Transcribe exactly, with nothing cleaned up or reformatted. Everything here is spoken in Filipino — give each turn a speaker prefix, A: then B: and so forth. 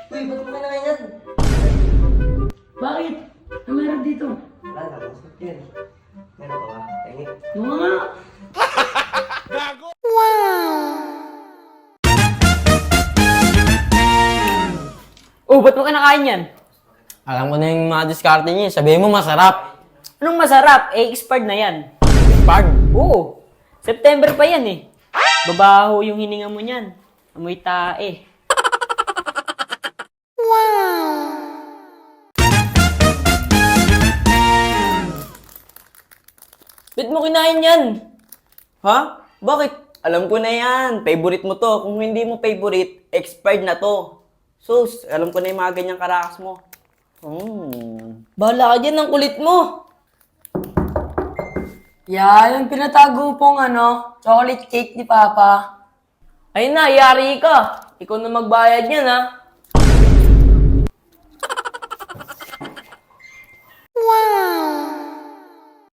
A: Uy, ba't mo kailangan yan?
B: Bakit? Ano meron dito?
A: Wala na, masakit yun. Meron ka ba? Tingi.
B: Yung nga.
C: Oh, ba't mo kinakain yan?
D: Alam ko na yung mga diskarte niya. Sabihin mo masarap.
C: Anong masarap? Eh, expired na yan.
D: Pag.
C: Oo. September pa yan eh. Babaho yung hininga mo niyan. Amoy tae.
D: Ba't mo kinain yan? Ha? Bakit? Alam ko na yan. Favorite mo to. Kung hindi mo favorite, expired na to. Sus, alam ko na yung mga ganyang karakas mo. Hmm.
B: Bahala ka dyan, ang kulit mo. Yan, yung pinatago pong ano, chocolate cake ni Papa.
C: Ayun na, yari ka. Ikaw na magbayad niyan ha.